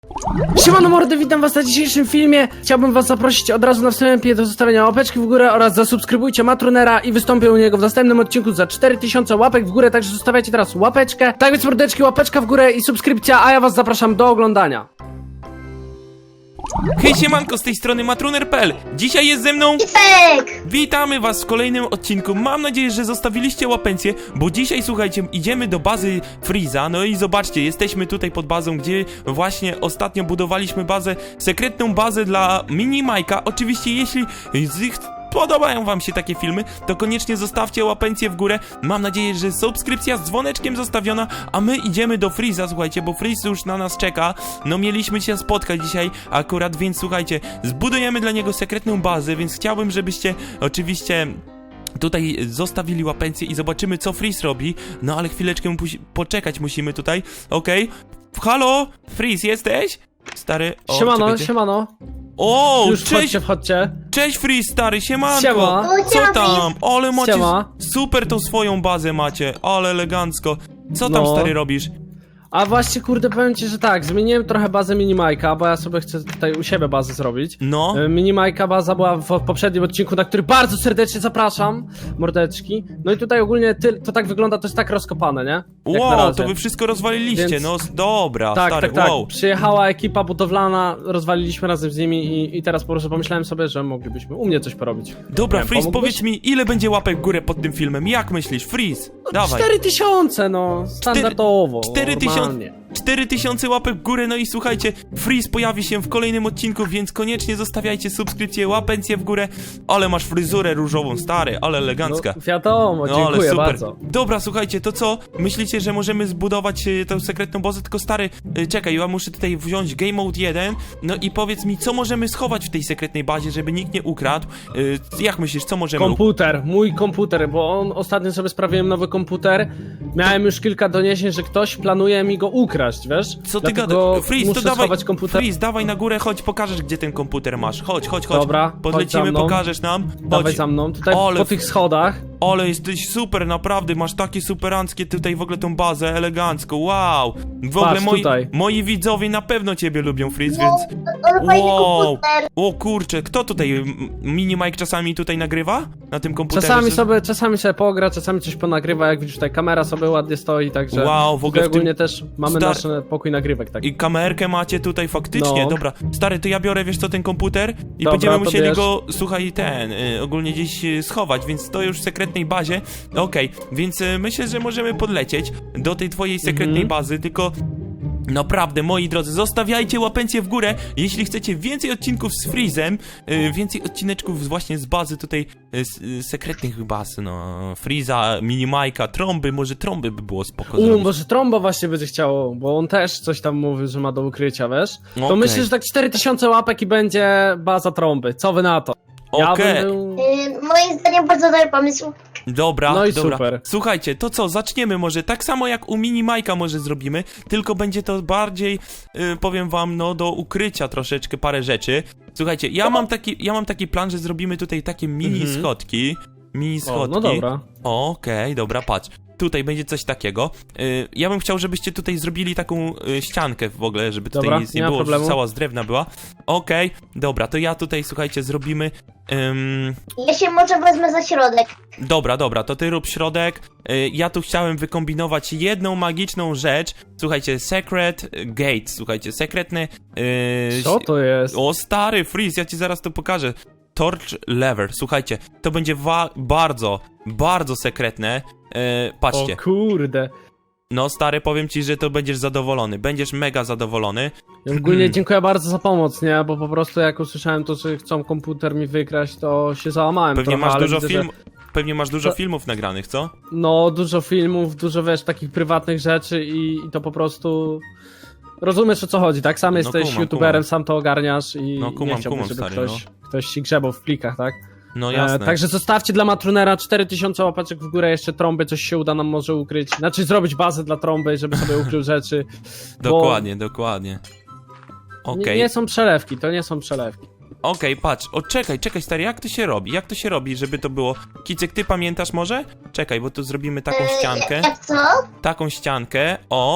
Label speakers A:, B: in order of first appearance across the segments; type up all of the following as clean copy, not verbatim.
A: Siemano mordy, witam was na dzisiejszym filmie. Chciałbym was zaprosić od razu na wstępie do zostawienia łapeczki w górę oraz zasubskrybujcie Matrunera i wystąpię u niego w następnym odcinku za 4000 łapek w górę, także zostawiajcie teraz łapeczkę. Tak więc mordeczki, łapeczka w górę i subskrypcja, a ja was zapraszam do oglądania.
B: Hej siemanko, z tej strony Matruner.pl. Dzisiaj jest ze mną
C: Pipek!
B: Witamy was w kolejnym odcinku. Mam nadzieję, że zostawiliście łapencję, bo dzisiaj, słuchajcie, idziemy do bazy Freeza. No i zobaczcie, jesteśmy tutaj pod bazą, gdzie właśnie ostatnio budowaliśmy bazę, sekretną bazę dla Mini Majka. Oczywiście, jeśli podobają wam się takie filmy, to koniecznie zostawcie łapencję w górę. Mam nadzieję, że subskrypcja z dzwoneczkiem zostawiona, a my idziemy do Freeza, słuchajcie, bo Freeze już na nas czeka. No mieliśmy się spotkać dzisiaj akurat, więc słuchajcie, zbudujemy dla niego sekretną bazę, więc chciałbym, żebyście oczywiście tutaj zostawili łapencję i zobaczymy, co Freeze robi. No ale chwileczkę poczekać musimy tutaj. Okej. Halo? Freeze, jesteś? Stary, o,
A: Siemano,
B: czekajcie.
A: siemano.
B: O,
A: Już
B: cześć!
A: wchodźcie.
B: Cześć Freeze, stary, siemanko!
A: Siema.
B: Co tam? Ale macie
A: Siema.
B: super tą swoją bazę macie, ale elegancko. Co tam,
A: No.
B: stary, robisz?
A: A właśnie, kurde, powiem ci, że tak, zmieniłem trochę bazę Minimajka, bo ja sobie chcę tutaj u siebie bazę zrobić.
B: No.
A: Minimajka baza była w poprzednim odcinku, na który bardzo serdecznie zapraszam, mordeczki. No i tutaj ogólnie to tak wygląda, to jest tak rozkopane, nie? Jak na
B: Wow,
A: razie.
B: to wy wszystko rozwaliliście,
A: Więc-
B: no dobra,
A: Tak,
B: stary,
A: tak, tak.
B: wow.
A: Przyjechała ekipa budowlana, rozwaliliśmy razem z nimi i teraz po prostu pomyślałem sobie, że moglibyśmy u mnie coś porobić.
B: Dobra,
A: Nie wiem,
B: Freeze,
A: pomógłbyś?
B: powiedz mi, ile będzie łapek w górę pod tym filmem? Jak myślisz, Freeze? Dawaj.
A: 4000, no, standardowo.
B: 4000
A: normalnie.
B: 4000 łapek w górę, no i słuchajcie, Freeze pojawi się w kolejnym odcinku, więc koniecznie zostawiajcie subskrypcję, łapencję w górę. Ale masz fryzurę różową, stary, ale elegancka.
A: No, wiadomo,
B: No ale
A: dziękuję
B: super.
A: bardzo.
B: Dobra, słuchajcie, to co? Myślicie, że możemy zbudować tę sekretną bazę? Tylko stary, czekaj, ja muszę tutaj wziąć Game Mode 1. No i powiedz mi, co możemy schować w tej sekretnej bazie, żeby nikt nie ukradł? Jak myślisz, co możemy
A: Komputer, mój komputer, bo ostatnio sobie sprawiłem nowy komputer. Miałem już kilka doniesień, że ktoś planuje mi go ukraść, wiesz?
B: Co ty
A: Dlatego
B: gadasz? Freeze,
A: muszę
B: to dawaj,
A: schować komputer.
B: Freeze, dawaj na górę, chodź, pokażesz, gdzie ten komputer masz. Chodź, chodź, chodź.
A: Dobra, chodź
B: podlecimy,
A: za mną.
B: pokażesz nam.
A: Dawaj
B: Chodź.
A: za mną, tutaj
B: Ale
A: po tych schodach.
B: Ale jesteś super, naprawdę, masz takie superanckie tutaj w ogóle tą bazę, elegancko, wow. W ogóle
A: Patrz, tutaj.
B: moi widzowie na pewno ciebie lubią, Freeze,
C: No,
B: więc...
C: on fajny
B: Wow.
C: komputer.
B: O kurczę, kto tutaj, Mini Mike czasami tutaj nagrywa? Na tym komputerze?
A: Czasami sobie pogra, czasami coś ponagrywa, jak widzisz tutaj kamera sobie ładnie stoi, także
B: Wow, w ogóle
A: tutaj
B: w tym-
A: ogólnie też mamy
B: Star-
A: nasz pokój nagrywek taki.
B: I kamerkę macie tutaj faktycznie,
A: No.
B: dobra. Stary, to ja biorę, wiesz co, ten komputer i
A: Dobra,
B: będziemy
A: to
B: musieli
A: bierz.
B: go, słuchaj, ogólnie gdzieś schować, więc to już w sekretnej bazie. Okej, więc myślę, że możemy podlecieć do tej twojej sekretnej bazy, tylko... Naprawdę, moi drodzy, zostawiajcie łapencję w górę, jeśli chcecie więcej odcinków z Freezem, więcej odcineczków właśnie z bazy tutaj, sekretnych baz, no, Freeza, Minimajka, trąby, może trąby by było spoko zrobić.
A: Może Tromba właśnie będzie chciało, bo on też coś tam mówi, że ma do ukrycia, wiesz? To
B: Okej.
A: myślę, że tak 4000 łapek i będzie baza Trąby. Co wy na to? Ja
B: Okej.
A: bym był...
C: Moim zdaniem bardzo dobry pomysł.
B: Dobra,
A: No i
B: dobra.
A: super.
B: Słuchajcie, to co, zaczniemy może tak samo jak u Mini Majka może zrobimy, tylko będzie to bardziej, powiem wam, no do ukrycia troszeczkę parę rzeczy. Słuchajcie, ja mam taki plan, że zrobimy tutaj takie mini schodki. Mini
A: O,
B: schodki.
A: no dobra.
B: Okej, dobra, patrz. Tutaj będzie coś takiego. Ja bym chciał, żebyście tutaj zrobili taką ściankę w ogóle, żeby tutaj
A: Dobra,
B: nic nie
A: nie ma
B: było, że
A: problemu.
B: cała z drewna była. Okej, dobra, to ja tutaj, słuchajcie, zrobimy...
C: Ja się może wezmę za środek.
B: Dobra, to ty rób środek. Ja tu chciałem wykombinować jedną magiczną rzecz. Słuchajcie, secret gate, słuchajcie, sekretny...
A: Co to jest?
B: O stary, Freeze, ja ci zaraz to pokażę. Torch lever, słuchajcie, to będzie bardzo sekretne. Patrzcie,
A: O kurde.
B: no stary, powiem ci, że to będziesz zadowolony, będziesz mega zadowolony.
A: Ogólnie dziękuję bardzo za pomoc, nie? Bo po prostu jak usłyszałem to, że chcą komputer mi wykraść, to się załamałem
B: Pewnie
A: trochę,
B: masz
A: ale
B: dużo
A: widzę,
B: film, pewnie masz dużo
A: To-
B: filmów nagranych, co?
A: No, dużo filmów, dużo, wiesz, takich prywatnych rzeczy i to po prostu... Rozumiesz, o co chodzi, tak? Sam jesteś
B: kumam,
A: youtuberem,
B: kumam.
A: sam to ogarniasz i
B: No, kumam,
A: nie chciałbym, żeby
B: stary,
A: ktoś ci grzebał w plikach, tak?
B: No jasne.
A: Także zostawcie dla Matrunera 4000 łapaczek w górę, jeszcze Trąby, coś się uda nam może ukryć. Znaczy zrobić bazę dla Trąby, żeby sobie ukrył rzeczy. bo
B: Dokładnie.
A: Nie,
B: Okej.
A: nie są przelewki, to nie są przelewki.
B: Okej, patrz, o czekaj stary, jak to się robi? Jak to się robi, żeby to było? Kicek, ty pamiętasz może? Czekaj, bo tu zrobimy taką ściankę.
C: Jak co?
B: Taką ściankę, o.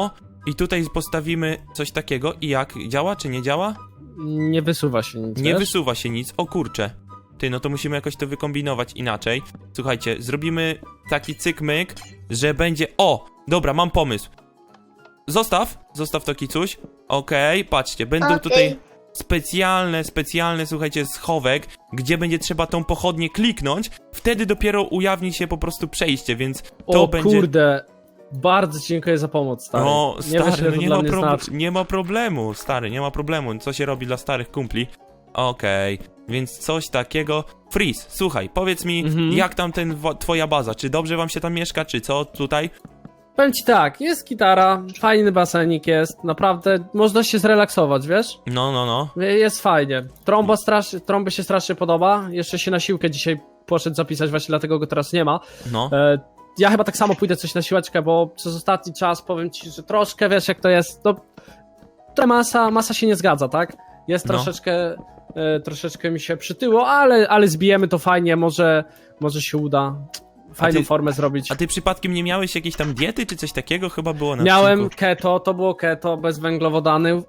B: I tutaj postawimy coś takiego i jak? Działa czy nie działa?
A: Nie wysuwa się nic,
B: Nie
A: wiesz?
B: wysuwa się nic, o kurczę. Ty, no to musimy jakoś to wykombinować inaczej. Słuchajcie, zrobimy taki cyk-myk, że będzie... O! Dobra, mam pomysł. Zostaw to kicuś. Okej, patrzcie, będą
C: Okej.
B: tutaj specjalne, słuchajcie, schowek, gdzie będzie trzeba tą pochodnię kliknąć, wtedy dopiero ujawni się po prostu przejście, więc to
A: O
B: będzie...
A: kurde, bardzo ci dziękuję za pomoc, stary.
B: No,
A: nie wiesz,
B: stary,
A: ile
B: no
A: to dla mnie znaczy.
B: nie ma problemu, stary, nie ma problemu. Co się robi dla starych kumpli? Okej, więc coś takiego. Freeze, słuchaj, powiedz mi, jak tam twoja baza? Czy dobrze wam się tam mieszka, czy co tutaj?
A: Powiem ci tak, jest gitara, fajny basenik jest, naprawdę można się zrelaksować, wiesz?
B: No.
A: Jest fajnie. Trąby się strasznie podoba, jeszcze się na siłkę dzisiaj poszedł zapisać, właśnie dlatego go teraz nie ma.
B: No.
A: Ja chyba tak samo pójdę coś na siłeczkę, bo przez ostatni czas powiem ci, że troszkę wiesz jak to jest, to masa się nie zgadza, tak? Jest
B: No.
A: troszeczkę mi się przytyło, ale zbijemy to fajnie, może się uda fajną formę zrobić.
B: A ty przypadkiem nie miałeś jakiejś tam diety, czy coś takiego? Chyba było na
A: Miałem
B: odcinku.
A: keto, to było keto, bez węglowodanów,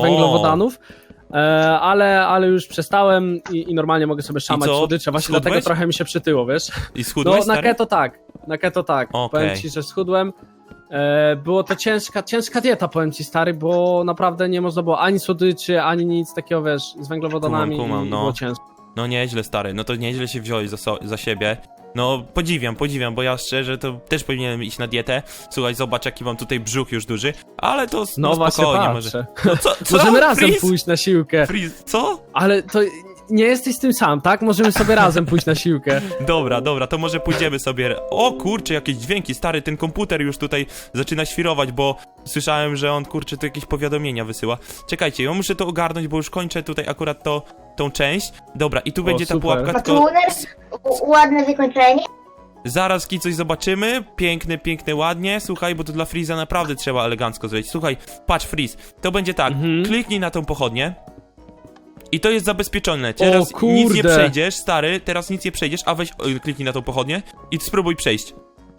A: ale już przestałem i normalnie mogę sobie szamać
B: co?
A: słodycze, właśnie
B: Schudłeś?
A: dlatego trochę mi się przytyło, wiesz?
B: I schudłeś,
A: No
B: stary?
A: na keto tak,
B: Okej.
A: powiem ci, że schudłem. Było to ciężka dieta, powiem ci, stary, bo naprawdę nie można było ani słodyczy, ani nic takiego, wiesz, z węglowodanami
B: Kumam,
A: i
B: no.
A: było ciężko.
B: No nieźle, stary, no to nieźle się wziąłeś za siebie. No podziwiam, bo ja szczerze to też powinienem iść na dietę. Słuchaj, zobacz jaki mam tutaj brzuch już duży, ale to
A: No właśnie
B: spokojnie
A: patrzę.
B: może. No co?
A: Możemy razem
B: Freeze?
A: pójść na siłkę,
B: Freeze, co?
A: ale to nie jesteś tym sam, tak? Możemy sobie razem pójść na siłkę.
B: Dobra, to może pójdziemy sobie. O kurczę, jakieś dźwięki, stary, ten komputer już tutaj zaczyna świrować, bo słyszałem, że on, kurczę, tu jakieś powiadomienia wysyła. Czekajcie, ja muszę to ogarnąć, bo już kończę tutaj akurat tą część. Dobra, i tu będzie ta
A: super.
B: pułapka, tylko
C: Matuner, ładne wykończenie.
B: zaraz coś zobaczymy. Piękne, ładnie. Słuchaj, bo to dla Freeza naprawdę trzeba elegancko zrobić. Słuchaj, patrz Freeze, to będzie tak, kliknij na tą pochodnię. I to jest zabezpieczone. Teraz
A: kurde.
B: nic nie przejdziesz, stary, teraz nic nie przejdziesz, a weź, kliknij na tą pochodnię i spróbuj przejść.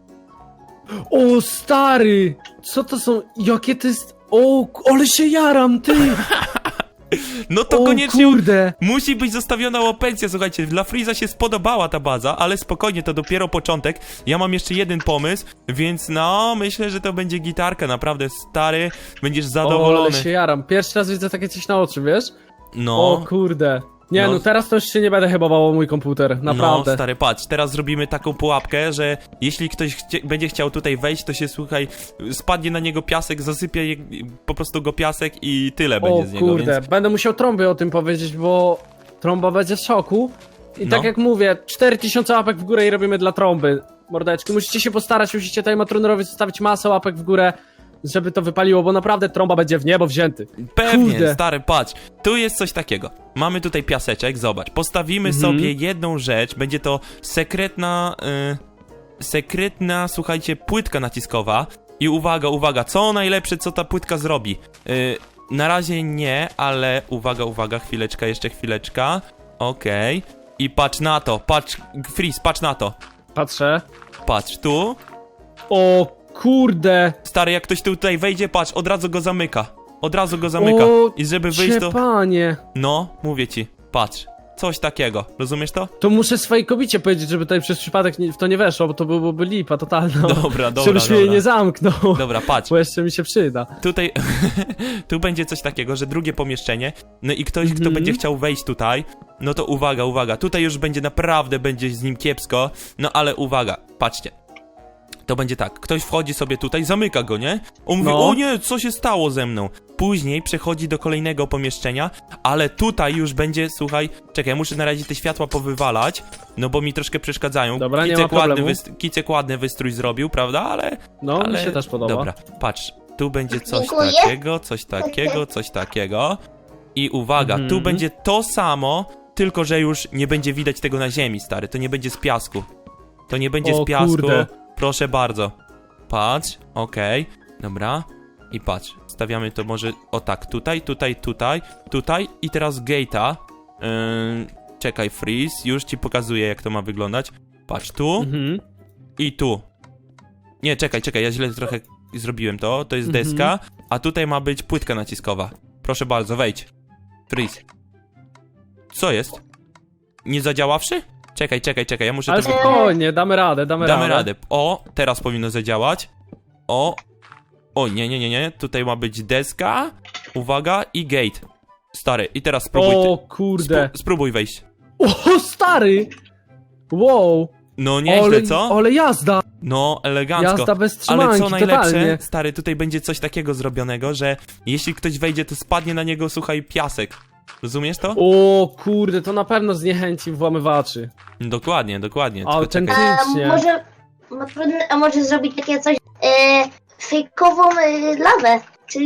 A: O, stary! Co to są? Jakie to jest... O, ale się jaram, ty!
B: No to
A: O,
B: koniecznie
A: kurde!
B: musi być zostawiona łapencja, słuchajcie, dla Freeza się spodobała ta baza, ale spokojnie, to dopiero początek. Ja mam jeszcze jeden pomysł, więc no, myślę, że to będzie gitarka, naprawdę, stary, będziesz
A: O,
B: zadowolony.
A: ale się jaram. Pierwszy raz widzę takie coś na oczy, wiesz?
B: No.
A: O, kurde. Nie,
B: No.
A: no teraz to już się nie będę chyba bał o mój komputer, naprawdę.
B: No, stary, patrz, teraz zrobimy taką pułapkę, że jeśli ktoś będzie chciał tutaj wejść, to się, słuchaj, spadnie na niego piasek, zasypie po prostu go piasek i tyle będzie z
A: O,
B: niego,
A: kurde.
B: więc...
A: Będę musiał trąby o tym powiedzieć, bo trąba będzie w szoku. I
B: No.
A: tak jak mówię, 4000 łapek w górę i robimy dla trąby. Mordeczki, musicie się postarać, musicie tutaj Matrunerowi zostawić masę łapek w górę, żeby to wypaliło, bo naprawdę trąba będzie w niebo wzięty.
B: Pewnie,
A: Kurde.
B: stary, patrz, tu jest coś takiego. Mamy tutaj piaseczek, zobacz, postawimy sobie jedną rzecz, będzie to sekretna, słuchajcie, płytka naciskowa. I uwaga, co najlepsze, co ta płytka zrobi? Na razie nie, ale uwaga, jeszcze chwileczka. Okej. I patrz na to, Freeze, patrz na to.
A: Patrzę.
B: Patrz, tu.
A: O, kurde.
B: Stary, jak ktoś tutaj wejdzie, patrz, od razu go zamyka.
A: O,
B: I żeby wyjść, to...
A: Panie.
B: No, mówię ci, patrz, coś takiego, rozumiesz to?
A: To muszę swojej kobicie powiedzieć, żeby tutaj przez przypadek w to nie weszło, bo to byłoby lipa totalna.
B: Dobra,
A: Żebyś mnie nie zamknął.
B: Dobra, patrz,
A: Bo jeszcze mi się przyda.
B: tutaj, tu będzie coś takiego, że drugie pomieszczenie, no i ktoś, kto będzie chciał wejść tutaj, no to uwaga, tutaj już będzie z nim kiepsko, no ale uwaga, patrzcie. To będzie tak, ktoś wchodzi sobie tutaj, zamyka go, nie? On mówi,
A: No.
B: o nie, co się stało ze mną? Później przechodzi do kolejnego pomieszczenia, ale tutaj już będzie, słuchaj, czekaj, muszę na razie te światła powywalać, no bo mi troszkę przeszkadzają.
A: Dobra, nie ma problemu.
B: Kicek ładny wystrój zrobił, prawda? Ale
A: No, mi się też podoba.
B: Dobra, patrz, tu będzie coś
C: Dziękuję.
B: coś takiego. I uwaga, tu będzie to samo, tylko że już nie będzie widać tego na ziemi, stary, to nie będzie z piasku. To nie będzie
A: O,
B: z piasku.
A: kurde.
B: Proszę bardzo. Patrz, okej, dobra. I patrz, stawiamy to może o tak, tutaj i teraz gate'a. Czekaj, Freeze, już ci pokazuję jak to ma wyglądać. Patrz, tu i tu. Nie, czekaj, ja źle trochę zrobiłem to jest deska. a tutaj ma być płytka naciskowa. Proszę bardzo, wejdź. Freeze. Co jest? Nie zadziaławszy? Czekaj, ja muszę
A: Ale
B: to...
A: spokojnie, damy radę.
B: Damy radę. O, teraz powinno zadziałać. O, nie. Tutaj ma być deska. Uwaga i gate. Stary, i teraz spróbuj
A: O kurde.
B: spróbuj wejść.
A: O, stary! Wow.
B: No nieźle, co?
A: Ale jazda.
B: No, elegancko.
A: Jazda bez
B: Ale
A: trzymanki,
B: co najlepsze,
A: totalnie.
B: stary, tutaj będzie coś takiego zrobionego, że jeśli ktoś wejdzie, to spadnie na niego, słuchaj, piasek. Rozumiesz to?
A: O kurde, to na pewno zniechęci włamywaczy.
B: Dokładnie. Tylko
A: Autentycznie.
B: czekaj.
C: A może zrobić takie coś, fejkową lawę,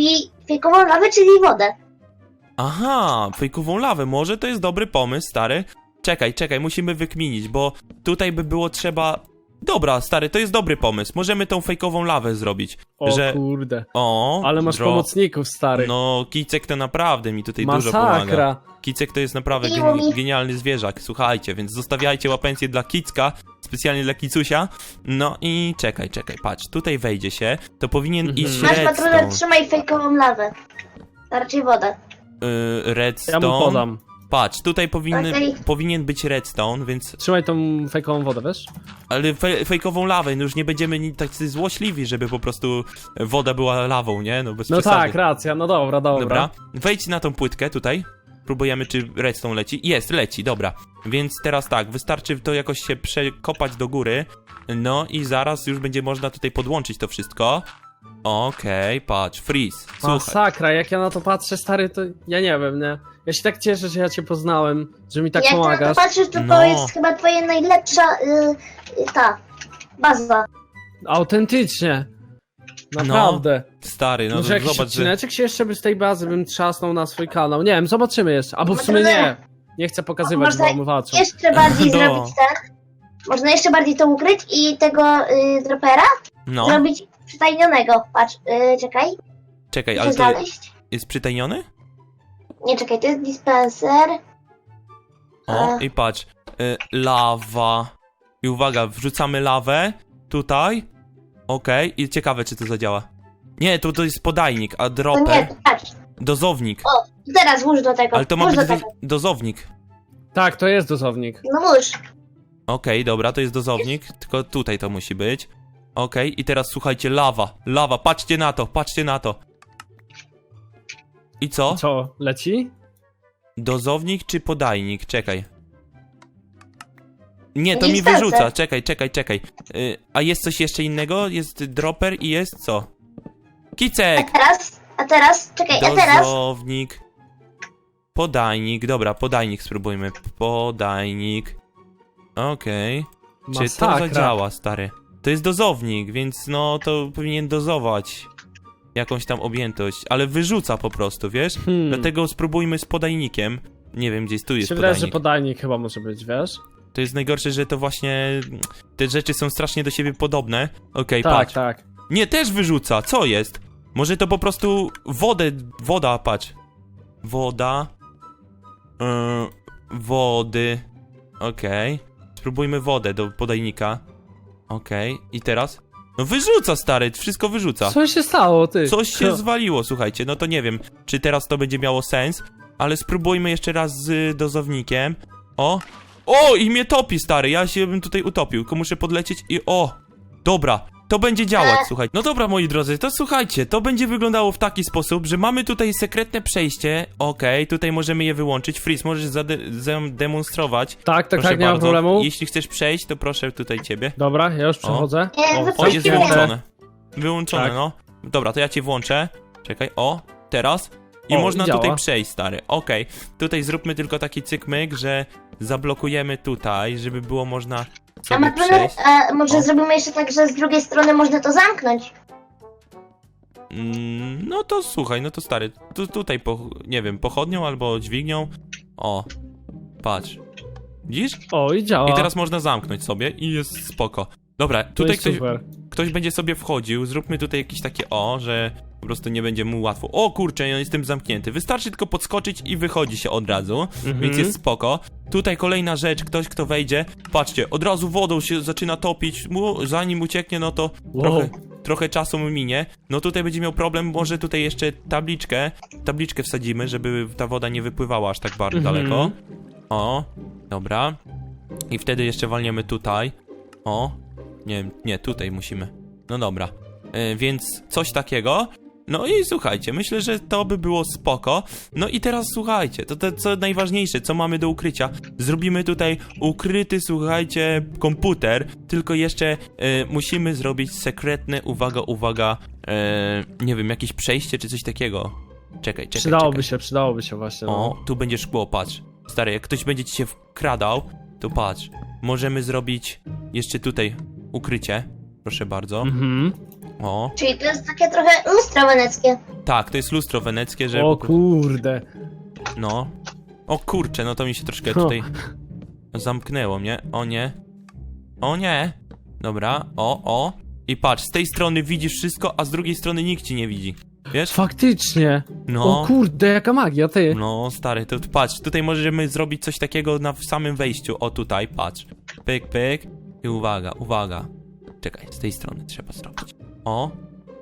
C: czyli wodę.
B: Aha, fejkową lawę, może to jest dobry pomysł, stary. Czekaj, musimy wykminić, bo tutaj by było trzeba... Dobra, stary, to jest dobry pomysł. Możemy tą fejkową lawę zrobić.
A: O
B: że...
A: kurde.
B: O,
A: Ale masz pomocników, stary.
B: No, Kicek to naprawdę mi tutaj dużo
A: Masakra.
B: pomaga. Kicek to jest naprawdę
C: Miło mi.
B: genialny zwierzak, słuchajcie, więc zostawiajcie łapencję dla Kicka, specjalnie dla Kicusia. No i czekaj, patrz, tutaj wejdzie się, to powinien iść
C: Masz patronat,
B: redstone.
C: trzymaj fejkową lawę. A raczej wodę.
A: Ja
B: Redstone.
A: mu podam.
B: Patrz, tutaj
C: Okej.
B: powinien być redstone, więc...
A: Trzymaj tą fejkową wodę, wiesz?
B: Ale fejkową lawę, no już nie będziemy tacy złośliwi, żeby po prostu woda była lawą, nie? No bez
A: No
B: przesady.
A: tak, racja, no dobra.
B: Dobra, wejdź na tą płytkę tutaj. Próbujemy, czy redstone leci. Jest, leci, dobra. Więc teraz tak, wystarczy to jakoś się przekopać do góry. No i zaraz już będzie można tutaj podłączyć to wszystko. Okej, patrz, freeze. Słuchaj.
A: Masakra, jak ja na to patrzę, stary, to ja nie wiem, nie? Ja się tak cieszę, że ja cię poznałem, że mi tak
C: Jak
A: pomagasz.
C: na to patrzysz, to
B: No.
C: to jest chyba twoja najlepsza ta baza.
A: Autentycznie. Naprawdę.
B: Stary, no
A: Może
B: to
A: jakiś
B: zobacz, że...
A: odcineczek się jeszcze by z tej bazy bym trzasnął na swój kanał. Nie wiem, zobaczymy jeszcze. Albo w sumie nie. Nie chcę pokazywać
C: Można
A: włamywaczom.
C: Jeszcze bardziej
B: No.
C: zrobić ten. Można jeszcze bardziej to ukryć i tego dropera
B: No,
C: zrobić przytajnionego. Patrz, czekaj.
B: czekaj,
C: Muszę
B: ale to
C: znaleźć.
B: jest przytajniony?
C: Nie, czekaj, to jest dispenser.
B: O, i patrz, lawa. I uwaga, wrzucamy lawę tutaj. Okej, i ciekawe, czy to zadziała. Nie, to jest podajnik, a
C: To
B: dropper,
C: nie, patrz.
B: dozownik.
C: O, teraz włóż do tego.
B: Ale to ma
C: włóż
B: być
C: do tego.
B: dozownik.
A: Tak, to jest dozownik.
C: No włóż.
B: Okej, dobra, to jest dozownik, tylko tutaj to musi być. Okej, i teraz słuchajcie, lawa, patrzcie na to. I co?
A: Co, leci?
B: Dozownik czy podajnik? Czekaj. Nie, to
C: Nie
B: mi
C: wstępne.
B: wyrzuca, czekaj. A jest coś jeszcze innego? Jest dropper i jest co? Kicek!
C: A teraz, czekaj, a teraz.
B: Dozownik. Podajnik, dobra, podajnik spróbujmy. Podajnik. Okej. Czy to
A: Masakra.
B: zadziała, stary? To jest dozownik, więc no to powinien dozować jakąś tam objętość, ale wyrzuca po prostu, wiesz? Dlatego spróbujmy z podajnikiem. Nie wiem, gdzieś tu jest
A: Się wydaje, że
B: podajnik.
A: podajnik chyba może być, wiesz?
B: To jest najgorsze, że to właśnie... Te rzeczy są strasznie do siebie podobne. Okej,
A: Tak,
B: patrz.
A: tak.
B: Nie, też wyrzuca, co jest? Może to po prostu woda, patrz. Woda. Wody. Okej. Spróbujmy wodę do podajnika. Okej, i teraz? No wyrzuca, stary, wszystko wyrzuca.
A: Co się stało, ty?
B: Coś się zwaliło, słuchajcie, no to nie wiem, czy teraz to będzie miało sens, ale spróbujmy jeszcze raz z dozownikiem. O, i mnie topi, stary, ja się bym tutaj utopił, tylko muszę podlecieć i dobra, to będzie działać, słuchaj. No dobra, moi drodzy, to słuchajcie, to będzie wyglądało w taki sposób, że mamy tutaj sekretne przejście, okej, tutaj możemy je wyłączyć. Freeze, możesz zademonstrować.
A: Tak,
B: Proszę
A: nie ma
B: bardzo.
A: problemu.
B: Jeśli chcesz przejść, to proszę tutaj ciebie.
A: Dobra, ja już przechodzę.
C: Nie,
B: O, jest
C: wypuścimy.
B: wyłączone. Wyłączone,
A: Tak.
B: no. Dobra, to ja cię włączę. Czekaj, teraz. I można
A: działa.
B: tutaj przejść, stary. Okej. Tutaj zróbmy tylko taki cykmyk, że zablokujemy tutaj, żeby było można
C: A
B: sobie
C: Matruner,
B: przejść.
C: a może
B: O.
C: zrobimy jeszcze tak, że z drugiej strony można to zamknąć.
B: No to słuchaj, no to stary, tutaj, nie wiem, pochodnią albo dźwignią. Patrz. Widzisz?
A: O, i działa.
B: I teraz można zamknąć sobie i jest spoko. Dobra,
A: To
B: tutaj
A: jest super.
B: ktoś będzie sobie wchodził, zróbmy tutaj jakieś takie że po prostu nie będzie mu łatwo. O kurczę, ja jestem zamknięty. Wystarczy tylko podskoczyć i wychodzi się od razu, więc jest spoko. Tutaj kolejna rzecz, ktoś kto wejdzie, patrzcie, od razu wodą się zaczyna topić, zanim ucieknie, no to
A: Wow.
B: trochę czasu mu minie. No tutaj będzie miał problem, może tutaj jeszcze tabliczkę wsadzimy, żeby ta woda nie wypływała aż tak bardzo daleko. O, dobra. I wtedy jeszcze walniemy tutaj. O, nie, tutaj musimy. No dobra. Więc coś takiego. No i słuchajcie, myślę, że to by było spoko. No i teraz słuchajcie, to co najważniejsze, co mamy do ukrycia. Zrobimy tutaj ukryty, słuchajcie, komputer. Tylko jeszcze musimy zrobić sekretne, uwaga, nie wiem, jakieś przejście czy coś takiego. Czekaj.
A: Przydałoby się właśnie. No.
B: O, tu będzie szkło, patrz. Stary, jak ktoś będzie ci się wkradał, to patrz. Możemy zrobić jeszcze tutaj ukrycie. Proszę bardzo. O,
C: Czyli to jest takie trochę lustro weneckie.
B: tak, to jest lustro weneckie, że...
A: O kurde.
B: No. O kurczę, no to mi się troszkę tutaj zamknęło mnie. O nie. O nie. Dobra, o. I patrz, z tej strony widzisz wszystko, a z drugiej strony nikt ci nie widzi. Wiesz?
A: Faktycznie.
B: No.
A: O kurde, jaka magia, ty.
B: No, stary, to patrz, tutaj możemy zrobić coś takiego w samym wejściu. O, tutaj, patrz. Pyk. I uwaga. Czekaj, z tej strony trzeba zrobić. O.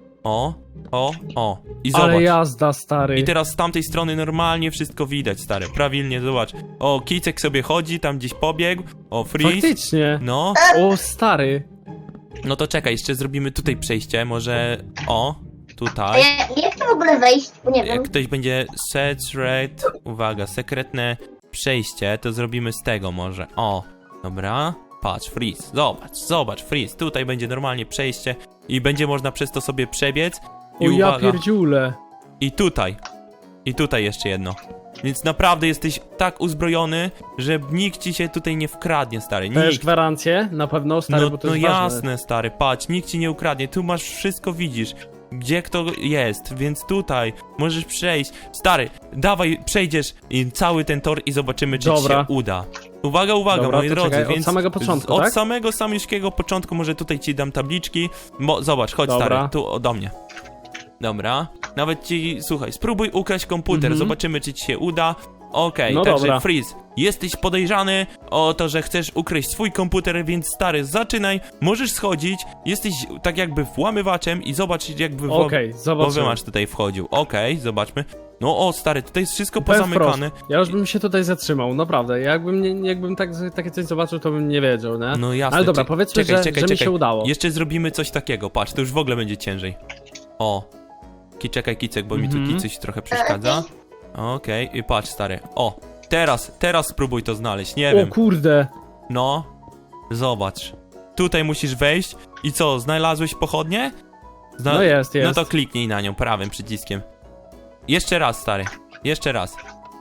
B: I zobacz.
A: Ale jazda, stary.
B: I teraz z tamtej strony normalnie wszystko widać, stary. Prawilnie, zobacz. O, Kicek sobie chodzi, tam gdzieś pobiegł. O, Freeze.
A: Faktycznie.
B: No.
A: O, stary.
B: No to czekaj, jeszcze zrobimy tutaj przejście, może... O,
C: A
B: tutaj.
C: jak to w ogóle wejść? Bo nie wiem.
B: Jak ktoś będzie uwaga, sekretne przejście, to zrobimy z tego może. O, dobra. Patrz, Freeze, zobacz, Freeze. Tutaj będzie normalnie przejście i będzie można przez to sobie przebiec. I
A: O, ja
B: uwaga,
A: pierdziule.
B: i tutaj jeszcze jedno. Więc naprawdę jesteś tak uzbrojony, że nikt ci się tutaj nie wkradnie, stary.
A: Dajesz
B: Nikt.
A: gwarancję? Na pewno, stary, bo to jest ważne.
B: jasne, stary, patrz, nikt ci nie ukradnie. Tu masz wszystko, widzisz. Gdzie kto jest, więc tutaj możesz przejść. Stary, dawaj, przejdziesz cały ten tor i zobaczymy, czy ci
A: Dobra.
B: się uda. Uwaga,
A: Dobra,
B: moi
A: to
B: drodzy,
A: czekaj,
B: więc
A: od samego początku,
B: od
A: tak?
B: samego samiuszkiego początku może tutaj ci dam tabliczki. Zobacz, chodź,
A: Dobra.
B: stary, tu do mnie. Dobra, nawet ci, słuchaj, spróbuj ukraść komputer, zobaczymy, czy ci się uda. Okej,
A: No
B: także
A: dobra.
B: Freeze, jesteś podejrzany o to, że chcesz ukraść swój komputer, więc stary, zaczynaj, możesz schodzić, jesteś tak jakby włamywaczem i zobacz jakby
A: Okej, zobaczymy.
B: masz tutaj wchodził. Okej, zobaczmy. No o, stary, tutaj jest wszystko
A: Powiem
B: pozamykane.
A: wprost, ja już bym się tutaj zatrzymał, naprawdę. Jakbym takie coś zobaczył, to bym nie wiedział, nie?
B: No jasne.
A: Ale dobra, powiedzmy, że mi się udało.
B: Jeszcze zrobimy coś takiego, patrz, to już w ogóle będzie ciężej. O, czekaj, Kicek, bo mi tu Kicuś trochę przeszkadza. Okej, i patrz, stary. O, teraz spróbuj to znaleźć, nie
A: O
B: wiem.
A: kurde.
B: No, zobacz. Tutaj musisz wejść i co, znalazłeś pochodnię?
A: No jest.
B: No to kliknij na nią prawym przyciskiem. Jeszcze raz, stary. Jeszcze raz.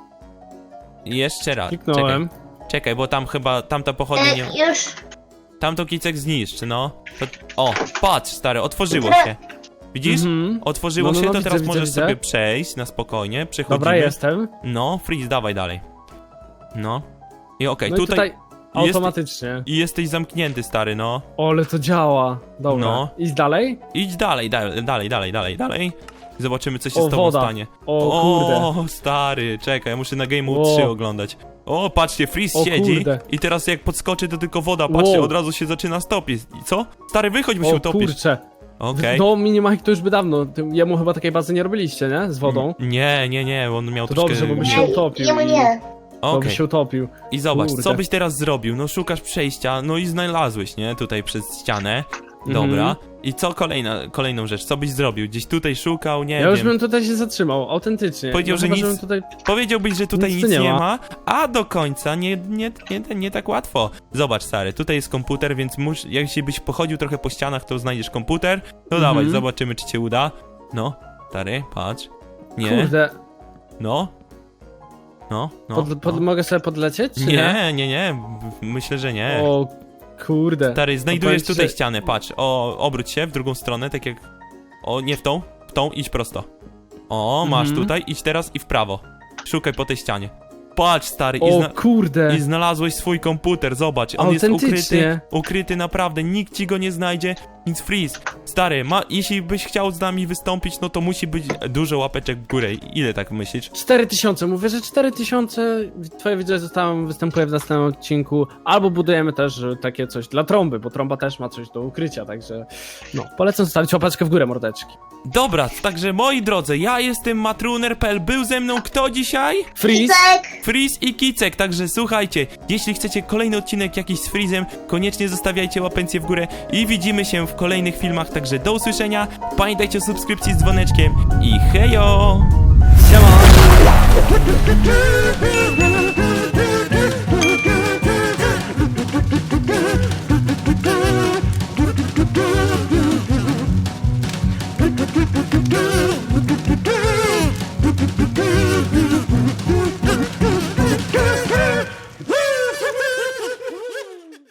A: Kliknąłem.
B: Czekaj, bo tam chyba, tamta pochodnia nie...
C: Już.
B: Tamto Kicek zniszczy, no. O, patrz, stary, otworzyło się. Widzisz? Otworzyło się, to
A: widzę,
B: teraz
A: widzę,
B: możesz
A: widzę.
B: sobie przejść na spokojnie, przechodzimy.
A: Dobra, jestem.
B: No, Freeze, dawaj dalej. No. I okej,
A: No i
B: tutaj...
A: tutaj automatycznie.
B: I jesteś zamknięty, stary, no.
A: O, ale to działa. Dobra.
B: No.
A: Idź dalej?
B: Idź dalej. Zobaczymy, co się
A: O,
B: z tobą
A: woda.
B: stanie.
A: O, kurde.
B: O, stary, czekaj, ja muszę na Game Mode
A: O.
B: 3 oglądać. O, patrzcie, Freeze
A: O,
B: siedzi
A: kurde.
B: i teraz jak podskoczy, to tylko woda, patrzcie,
A: Wow.
B: od razu się zaczyna stopić. I co? Stary, wychodź, bo się
A: O
B: utopisz.
A: kurcze.
B: Okej.
A: No, Minimajk to już by dawno. Jemu chyba takiej bazy nie robiliście, nie? Z wodą.
B: Nie, on miał
A: To
B: troszkę...
A: dobrze, bo by się
C: Nie,
A: utopił.
C: jemu nie.
A: Bo by
B: Okej.
A: się utopił.
B: I zobacz,
A: Kurde.
B: co byś teraz zrobił? No szukasz przejścia, no i znalazłeś, nie? Tutaj przez ścianę. Dobra. I co kolejną rzecz? Co byś zrobił? Gdzieś tutaj szukał, nie
A: Ja
B: wiem.
A: już bym tutaj się zatrzymał, autentycznie.
B: Powiedział, że
A: chyba,
B: nic-
A: żebym tutaj...
B: Powiedziałbyś, że tutaj
A: Nic
B: nic
A: tu
B: nie
A: nie
B: ma.
A: ma.
B: A do końca nie tak łatwo. Zobacz, stary, tutaj jest komputer, więc jeśli byś pochodził trochę po ścianach, to znajdziesz komputer. No dawaj, zobaczymy, czy cię uda. No, stary, patrz. Nie,
A: Kurde.
B: no. No.
A: Mogę sobie podlecieć, czy nie?
B: Nie, myślę, że nie.
A: O, kurde.
B: Stary, znajdujesz
A: powiem ci,
B: tutaj
A: że-
B: ścianę, patrz. O, obróć się w drugą stronę, tak jak... O, nie w tą, idź prosto. O, masz tutaj, idź teraz i w prawo. Szukaj po tej ścianie. patrz stary,
A: O kurde.
B: i znalazłeś swój komputer, zobacz, on jest
A: Autentycznie.
B: ukryty naprawdę, nikt ci go nie znajdzie, więc Freeze, stary, jeśli byś chciał z nami wystąpić, no to musi być dużo łapeczek w górę, ile tak myślisz?
A: 4000, mówię, że 4000, twoje wideo występuje w następnym odcinku, albo budujemy też takie coś dla trąby, bo trąba też ma coś do ukrycia, także no, polecam zostawić łapeczkę w górę, mordeczki.
B: Dobra, także moi drodzy, ja jestem Matruner.pl, był ze mną kto dzisiaj?
A: Freeze?
C: Kicek!
B: Freeze i Kicek, także słuchajcie, jeśli chcecie kolejny odcinek jakiś z Freezem, koniecznie zostawiajcie łapencję w górę i widzimy się w kolejnych filmach, także do usłyszenia, pamiętajcie o subskrypcji z dzwoneczkiem i hejo!
A: Siema!
D: Good.